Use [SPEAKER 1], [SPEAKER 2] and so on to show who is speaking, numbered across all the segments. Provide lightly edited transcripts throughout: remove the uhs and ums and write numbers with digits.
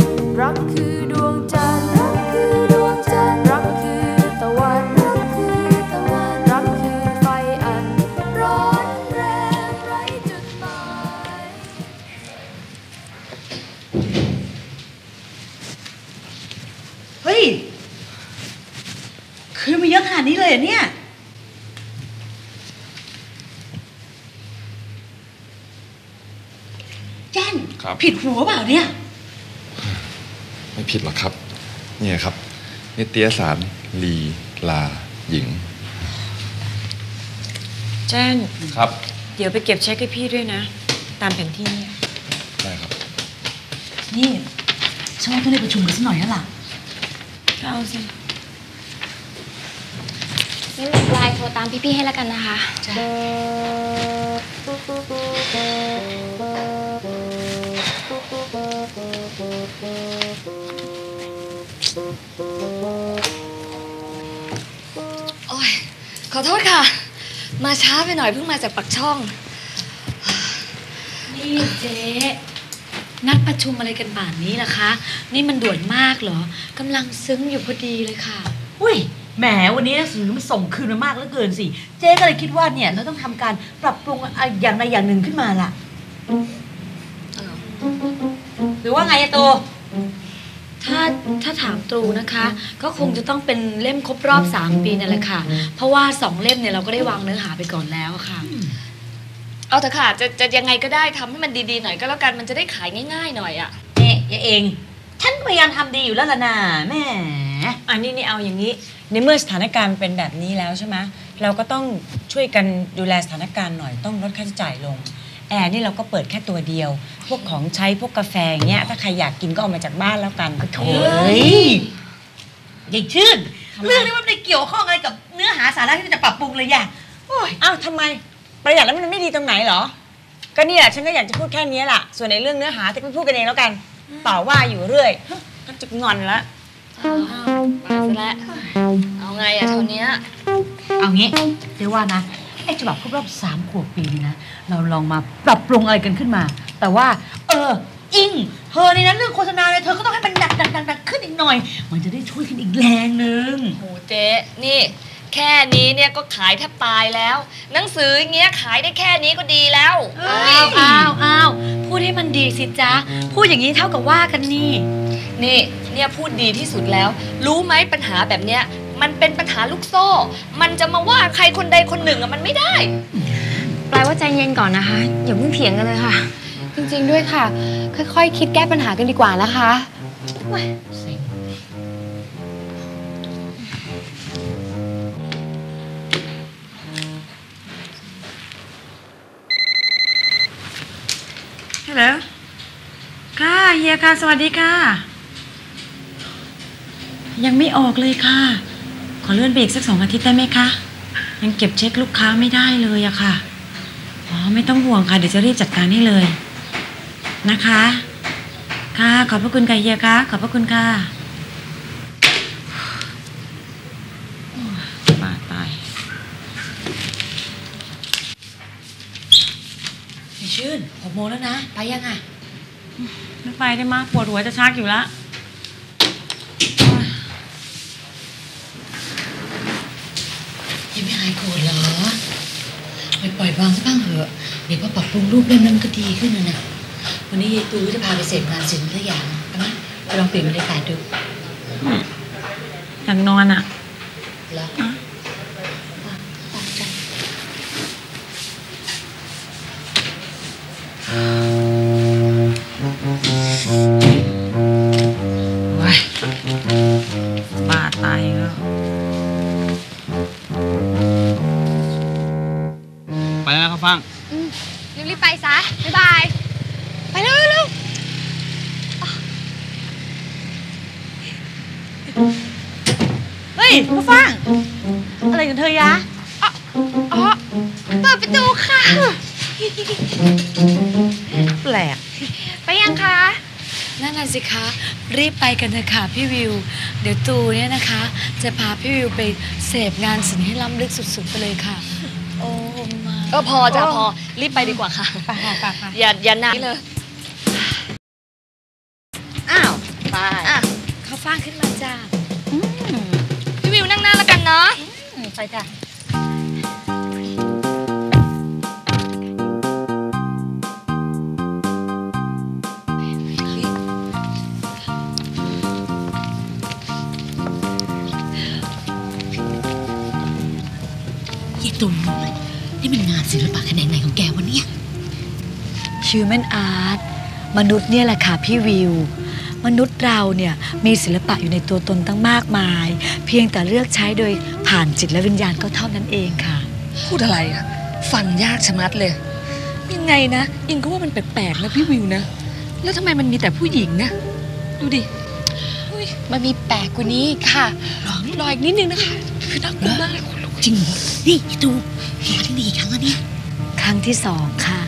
[SPEAKER 1] รักคือดวงจันทร์รักคือดวงจันทร์รักคือตะวันรักคือตะวันรักคือไฟอันร้อนแรงไร้จุดหมาย
[SPEAKER 2] เฮ้ยคืนมาเยอะขนาดนี้เลยเหรอเนี่ยแจ้นผิดหัวเปล่าเนี่ย
[SPEAKER 3] ไม่ผิดหรอกครับเนี่ยครับนิตยสารลีลาหญิง
[SPEAKER 4] แจ้น
[SPEAKER 3] ครับ
[SPEAKER 4] เดี๋ยวไปเก็บเช็คให้พี่ด้วยนะตามแผนที่เนี่ย
[SPEAKER 3] ได้ครับ
[SPEAKER 2] นี่ฉันว่าต้องได้ประชุมกันสักหน่อยแล้วล่ะ
[SPEAKER 4] ก็เอาสิ
[SPEAKER 5] งั้นไลน์โทรตามพี่ๆให้แล้วกันนะคะโอ้ยขอโทษค่ะมาช้าไปหน่อยเพิ่งมาจากปักช่อง
[SPEAKER 4] นี่เจ๊นัดประชุมอะไรกันป่านนี้ล่ะคะนี่มันด่วนมากเหรอกำลังซึ้งอยู่พอดีเลยค่ะ
[SPEAKER 2] อุ้ยแหมวันนี้หนังสือมันส่งคืนมามากเหลือเกินสิเจ๊ก็เลยคิดว่าเนี่ยเราต้องทำการปรับปรุงอย่างใดอย่างหนึ่งขึ้นมาล่ะหรือว่าไงอะตัว
[SPEAKER 4] ถ้าถามตรูนะคะก็คงจะต้องเป็นเล่มครบรอบ3 ปีนั่นแหละค่ะเพราะว่า2 เล่มเนี่ยเราก็ได้วางเนื้อหาไปก่อนแล้วค่ะ
[SPEAKER 5] เอาเถอะค่ะจะยังไงก็ได้ทำให้มันดีๆหน่อยก็แล้วกันมันจะได้ขายง่ายๆหน่อยอ่ะ
[SPEAKER 2] เนี่ยยายเองฉันพยายามทำดีอยู่แล้วล่ะนะแม่
[SPEAKER 4] อันนี้เอาอย่างนี้ในเมื่อสถานการณ์เป็นแบบนี้แล้วใช่ไหมเราก็ต้องช่วยกันดูแลสถานการณ์หน่อยต้องลดค่าใช้จ่ายลงแอร์นี่เราก็เปิดแค่ตัวเดียวพวกของใช้พวกกาแฟเงี้ยถ้าใครอยากกินก็เอามาจากบ้านแล้วกัน
[SPEAKER 2] โถ่ยายชื่นเรื่องนี้มันไม่เกี่ยวข้องอะไรกับเนื้อหาสาระที่จะปรับปรุงเลยอย่าง
[SPEAKER 4] อ้าวทำไมประหยัดแล้วมันไม่ดีตรงไหนเหรอก็นี่แหละฉันก็อยากจะพูดแค่นี้แหละส่วนในเรื่องเนื้อหาที่พูดกันเองแล้วกันต่อว่าอยู่เรื่อยก็จะงอนแล้ว
[SPEAKER 5] ไปซะแล้วเอาไงอะเท่านี้
[SPEAKER 2] เอางี้เดี๋ยวว่านะไอ้ฉบับครบรอบ3 ขวบปีนี่นะเราลองมาปรับปรุงอะไรกันขึ้นมาแต่ว่าอิงเธอในนั้นเรื่องโฆษณาเลยเธอก็ต้องให้มันหนักขึ้นอีกหน่อยมันจะได้ช่วยกันอีกแรงนึง
[SPEAKER 5] โหเจ๊นี่แค่นี้เนี่ยก็ขายแทบตายแล้วหนังสืออย่างเงี้ยขายได้แค่นี้ก็ดีแล้ว
[SPEAKER 4] อ้าวพูดให้มันดีสิจ๊ะพูดอย่างนี้เท่ากับว่ากันนี่
[SPEAKER 5] เนี่ยพูดดีที่สุดแล้วรู้ไหมปัญหาแบบเนี้ยมันเป็นปัญหาลูกโซ่มันจะมาว่าใครคนใดคนหนึ่งอะมันไม่ได้
[SPEAKER 6] แปลว่าใจเย็นก่อนนะคะอย่าเพิ่งเถียงกันเลยค่ะจริงๆด้วยค่ะค่อยๆคิดแก้ปัญหากันดีกว่านะคะ
[SPEAKER 4] ฮัลโหลค่ะเฮียค่ะสวัสดีค่ะยังไม่ออกเลยค่ะขอเลื่อนไปอีกสัก2 อาทิตย์ได้ไหมคะยังเก็บเช็คลูกค้าไม่ได้เลยอะค่ะอ๋อไม่ต้องห่วงค่ะเดี๋ยวจะรีบจัดการให้เลยนะคะค่ะขอบพระคุณค่ะเฮียค่ะขอบพระคุณค่ะบ้าตาย
[SPEAKER 2] พี่ชื่น6 โมงแล้วนะไปยังไง
[SPEAKER 4] ไม่ไปได้มากปวดหัวจะชักอยู่ละ
[SPEAKER 2] ยังไม่หายโกรธเหรอปล่อยวางซะบ้างเถอะเดี๋ยวพอปรับปรุงรูปเล่มนั้นก็ดีขึ้นนะวันนี้ยายตูจะพาไปเสพงานศิลป์สักอย่างนะไปลองเปลี่ยนบรรยากาศดู
[SPEAKER 4] อยากนอนอ่ะ
[SPEAKER 2] แล้ว
[SPEAKER 4] บ้าตายแล้ว
[SPEAKER 7] ไปแล้วนะครับฟัง
[SPEAKER 5] รีบไปซะบ๊ายบายไปเร็ว
[SPEAKER 2] เฮ้ยมาฟังอะไรกันเธอยะ
[SPEAKER 5] อ๋อเปิดประตูค่ะ
[SPEAKER 2] แปลก
[SPEAKER 5] ไปยังคะ
[SPEAKER 4] นั่นน่ะสิคะรีบไปกันเถอะค่ะพี่วิวเดี๋ยวตูเนี่ยนะคะจะพาพี่วิวไปเสพงานศิลป์ให้ล้ำลึกสุดๆไปเลยค่ะโอ้มา
[SPEAKER 5] พอจ้ะพอรีบไปดีกว่าค่ะ
[SPEAKER 4] ไป
[SPEAKER 5] อย่านานเลย
[SPEAKER 2] อ้าว
[SPEAKER 5] อ่ะเขาฟ้างขึ้นมาจ้าพี่วิวนั่งหน้าแล้วกันเนาะไปจ้ะ
[SPEAKER 2] ยี่ตุ่มนี่มันงานศิลปะแขนงไหนของแกวะเนี่ย Human Art มนุษย์เนี่ยแหละค่ะพี่วิวมนุษย์เราเนี่ยมีศิลปะอยู่ในตัวตนตั้งมากมายเพียงแต่เลือกใช้โดยผ่านจิตและวิญญาณก็เท่านั้นเองค่ะ
[SPEAKER 5] พูดอะไรอ่ะฟังยากชะมัดเลยยังไงนะอิงก็ว่ามันแปลกๆนะพี่วิวนะแล้วทำไมมันมีแต่ผู้หญิงนะดูดิมันมีแปลกกว่านี้ค่ะรออีกนิดนึงนะคะคือน่ากลัวมาก
[SPEAKER 2] จริงเหรอนี่ดูมาที่นี่อีกครั้งแล้วเนี่ยครั้งที่2ค่ะ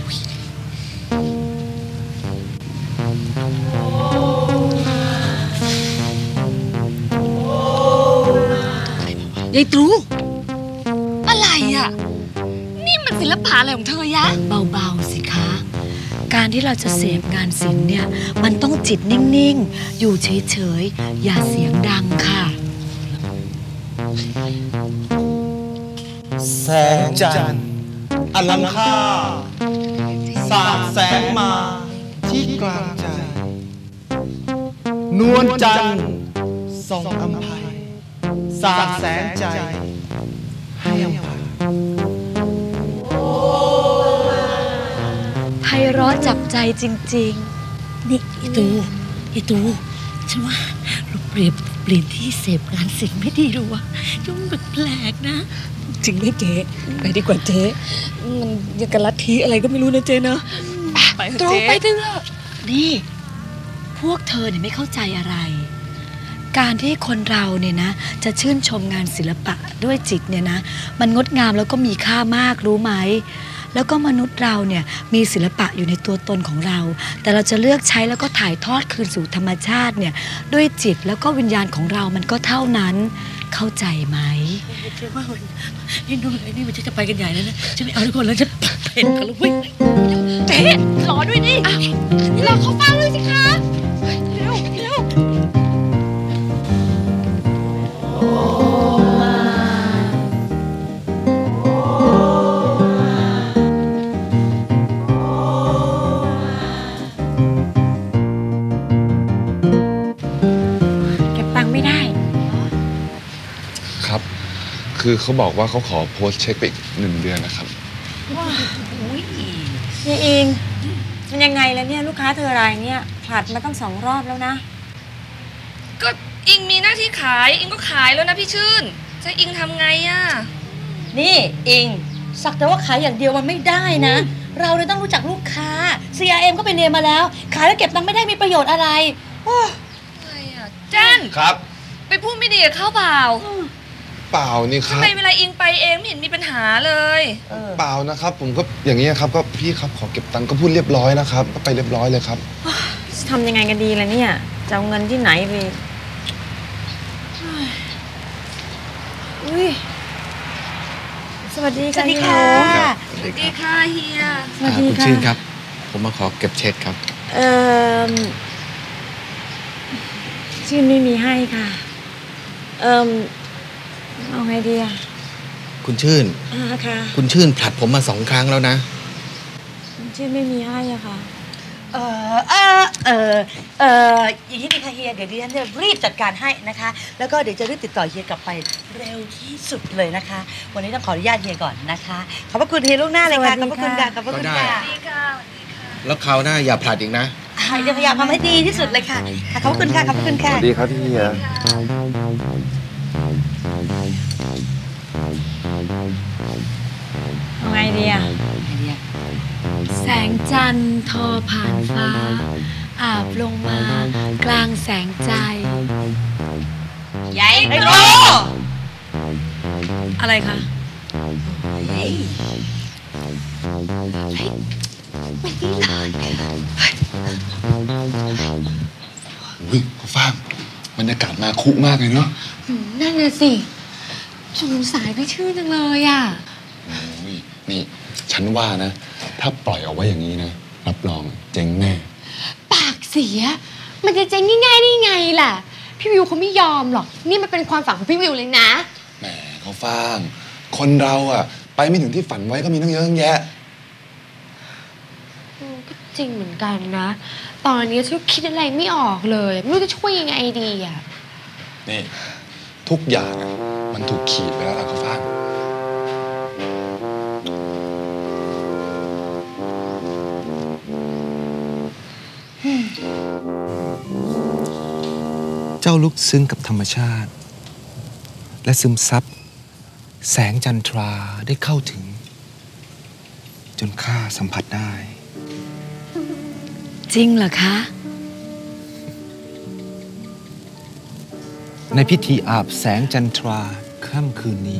[SPEAKER 5] ยายตรูอะไรอ่ะนี่มันศิลปะอะไรของเธอยะ
[SPEAKER 2] เบาๆสิคะการที่เราจะเสพงานศิลป์เนี่ยมันต้องจิตนิ่งๆอยู่เฉยๆอย่าเสียงดังค่ะ
[SPEAKER 8] แสงจันทร์อลังค่าสาดแสงมาที่กลางใจนวลจันทร์ส่องอำไพสาดแสงใจให้อำไพ
[SPEAKER 2] ไพเราะจับใจจริงๆนี่ไอ้ตูฉันว่าเราเปลี่ยนที่เสพงานศิลป์ไม่ดีหรอวะยุ่งแปลกๆนะจริงไหมเจ๊ไปดีกว่าเจ๊
[SPEAKER 5] มันยังกับลัทธิอะไรก็ไม่รู้นะเจ๊เนอะไปเถอะเจ๊ไปเถอะ
[SPEAKER 2] นี่พวกเธอเนี่ยไม่เข้าใจอะไรการที่คนเราเนี่ยนะจะชื่นชมงานศิลปะด้วยจิตเนี่ยนะมันงดงามแล้วก็มีค่ามากรู้ไหมแล้วก็มนุษย์เราเนี่ยมีศิลปะอยู่ในตัวตนของเราแต่เราจะเลือกใช้แล้วก็ถ่ายทอดคืนสู่ธรรมชาติเนี่ยด้วยจิตแล้วก็วิญญาณของเรามันก็เท่านั้นเข้าใจไหมเชื่อว่าไอ้นู่นไอ้นี่มันจะไปกันใหญ่แล้วนะฉันไม่เอาทุกคนแล้วจะเพ่นกันแล้วเว้ย
[SPEAKER 5] เจ๊ขอด้วยดิเราเข้าฟังเลยสิคะเร็ว
[SPEAKER 3] คือเขาบอกว่าเขาขอโพสต์เช็คไปอีก1 เดือนนะครับ
[SPEAKER 4] ว้าวนี่เองมันยังไงแล้วเนี่ยลูกค้าเธอรายเนี่ยผลัดมาตั้ง2 รอบแล้วนะ
[SPEAKER 5] ก็อิงมีหน้าที่ขายอิงก็ขายแล้วนะพี่ชื่นจะอิงทำไงอ่ะ
[SPEAKER 2] นี่อิงสักแต่ว่าขายอย่างเดียวมันไม่ได้นะเราเลยต้องรู้จักลูกค้า CRM ก็ไปเรียนมาแล้วขายแล้วเก็บตังค์ไม่ได้มีประโยชน์อะไร
[SPEAKER 5] อะไรอ่ะเจน
[SPEAKER 3] ครับ
[SPEAKER 5] ไปพูดไม่ดีกับเขาเปล่า
[SPEAKER 3] เปล่านี่ครับ
[SPEAKER 5] ทำไมเวลาอิงไปเองไม่เห็นมีปัญหาเลย
[SPEAKER 3] เปล่านะครับผมก็อย่างนี้ครับก็พี่ครับขอเก็บตังค์ก็พูดเรียบร้อยนะครับก็ไปเรียบร้อยเลยครับ
[SPEAKER 4] ทำยังไงกันดีล่ะเนี่ยจะเอาเงินที่ไหนไปสวัสดีค่ะ
[SPEAKER 2] สวัสดีค่ะ
[SPEAKER 5] สวัสดีค่ะเฮีย
[SPEAKER 4] สวัสดีค่ะ
[SPEAKER 7] คุณชื่นครับผมมาขอเก็บเช็คครับ
[SPEAKER 4] ชื่นไม่มีให้ค่ะเอาไงดีอ่ะ
[SPEAKER 7] คุณชื่น
[SPEAKER 4] ค่ะ
[SPEAKER 7] คุณชื่นผลัดผมมา2 ครั้งแล้วนะ
[SPEAKER 4] คุณชื่นไม่มีให้อ่ะค่ะ
[SPEAKER 2] อย่างนี้ดีค่ะเฮียเดี๋ยวดิฉันจะรีบจัดการให้นะคะแล้วก็เดี๋ยวจะรีบติดต่อเฮียกลับไปเร็วที่สุดเลยนะคะวันนี้ต้องขออนุญาตเฮียก่อนนะคะขอบพระคุณเฮียล่วงหน้าเลยค่ะขอบพระคุณค่ะขอบพระคุณค่ะ
[SPEAKER 7] แล้วคราวหน้าอย่าผลัดอีกนะ
[SPEAKER 2] จะพยายามทำให้ดีที่สุดเลยค่ะขอบคุณค่ะขอบคุณค่ะ
[SPEAKER 3] สวัสดีครับพี่เฮีย
[SPEAKER 4] เอาไงดีอ่ะ
[SPEAKER 2] แสงจันทร์ทอผ่านฟ้าอาบลงมากลางแสงใจ
[SPEAKER 5] ยายโต
[SPEAKER 2] อะไรคะ
[SPEAKER 3] อุ้ยเขาฟังบรรยากาศมาคุมากเลยเนาะ
[SPEAKER 6] นั่นน่ะสิสงสายพี่ชื่อจังเลยอ่ะ
[SPEAKER 3] นี่ฉันว่านะถ้าปล่อยเอาไว้อย่างนี้นะรับรองเจ๊งแน่
[SPEAKER 6] ปากเสียมันจะเจ๊งง่ายๆได้ไงล่ะพี่วิวเขาไม่ยอมหรอกนี่มันเป็นความฝันของพี่วิวเลยนะ
[SPEAKER 3] แหมเขาฟังคนเราอะไปไม่ถึงที่ฝันไว้ก็มีตั้งเยอะตั้งแยะ
[SPEAKER 6] ก็จริงเหมือนกันนะ ตอนนี้ฉันคิดอะไรไม่ออกเลยไม่รู้จะช่วยยังไงดีอ่ะ
[SPEAKER 3] นี่ ทุกอย่างอะมันถูกขีดไปแล้วล่ะเขาฟัง
[SPEAKER 7] เจ้าลุกซึ้งกับธรรมชาติ และซึมซับแสงจันทราได้เข้าถึง จนข้าสัมผัสได้
[SPEAKER 5] จริงเหรอคะ
[SPEAKER 7] ในพิธีอาบแสงจันทราค่ำคืนนี้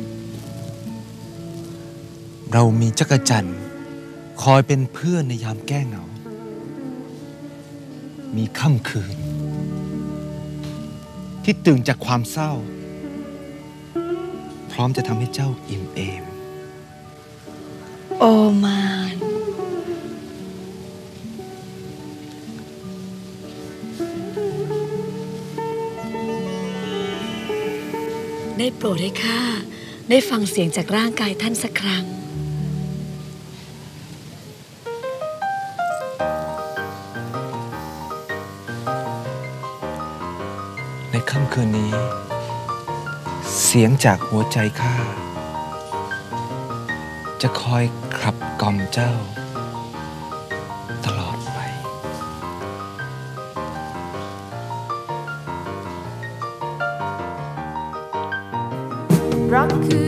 [SPEAKER 7] เรามีจักรจันทร์คอยเป็นเพื่อนในยามแก้เหงา มีค่ำคืน ที่ตื่นจากความเศร้า พร้อมจะทำให้เจ้าอิ่มเอม
[SPEAKER 5] โอมาน ได้โปรดให้ข้าได้ฟังเสียงจากร่างกายท่านสักครั้ง
[SPEAKER 7] ในค่ำคืนนี้ เสียงจากหัวใจข้าจะคอยขับกล่อมเจ้า ตลอดไป
[SPEAKER 1] รักคือ